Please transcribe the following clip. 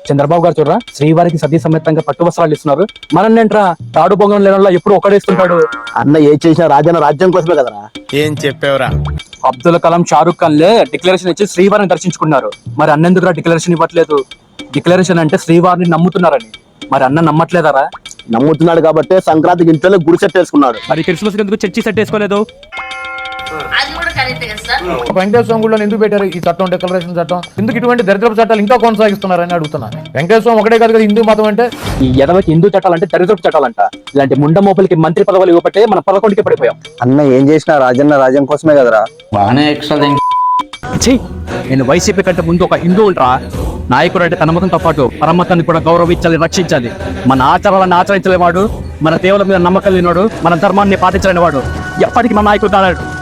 చంద్రబాబు గారు చూడరా శ్రీవారికి సతీ సమేతంగా పట్టు వస్త్రాలు ఇస్తున్నారు. మనన్నేంట్రా తాడు బొంగం లేనోళ్ళ ఎప్పుడు ఒకడేస్తుంటాడు. అన్న ఏ చేసినా రాజన్న రాజ్యం కోసమే కదరా. ఏం చెప్పావురా? అబ్దుల్ కలాం, షారుఖ్ ఖాన్ లే డిక్లరేషన్ ఇచ్చి శ్రీవారిని దర్శించుకున్నారు. మరి అన్నెందుకురా డిక్లరేషన్ ఇవ్వట్లేదు? డిక్లరేషన్ అంటే శ్రీవారిని నమ్ముతున్నారని. మరి అన్న నమ్మట్లేదారా? నమ్ముతున్నాడు కాబట్టి సంక్రాంతికి ఇంట్లో గుడి సెట్ వేసుకున్నాడు. మరి క్రిస్మస్ ఎందుకు చర్చి సెట్ వేసుకోలేదు? వెంకటేశ్వర స్వామి గుడిలో ఎందుకు పెట్టారు ఈ చట్టం, డిక్లరేషన్ చట్టం? ఎందుకు ఇటువంటి దరిద్రపు చట్టాలు ఇంకా కొనసాగిస్తున్నారని అడుగుతున్నా. వెంకటేశ్వర స్వామి ఒకటే కాదు కదా హిందూ మతం అంటే. ఈ ఎదవకి హిందూ చట్టాలంటే దరిద్రపు చట్టాలంట. ఇలాంటి ముండ మోపలికి మంత్రి పదవులు ఇవ్వబట్టే మన 11కి పడిపోయాం. అన్న ఏం చేసినా రాజన్న రాజ్యం కోసమే కదరా. బాగానే ఎక్స్ట్రా నేను వైసీపీ కంటే ముందు ఒక హిందువులరా. నాయకుడు అంటే తన మతంతో పాటు పరమతాన్ని కూడా గౌరవించాలి, రక్షించాలి. మన ఆచారాలను ఆచరించలేవాడు, మన దేవుల మీద నమ్మకం లేనివాడు, మన ధర్మాన్ని పాటించలేని వాడు ఎప్పటికీ మన నాయకుడు కాలేడు.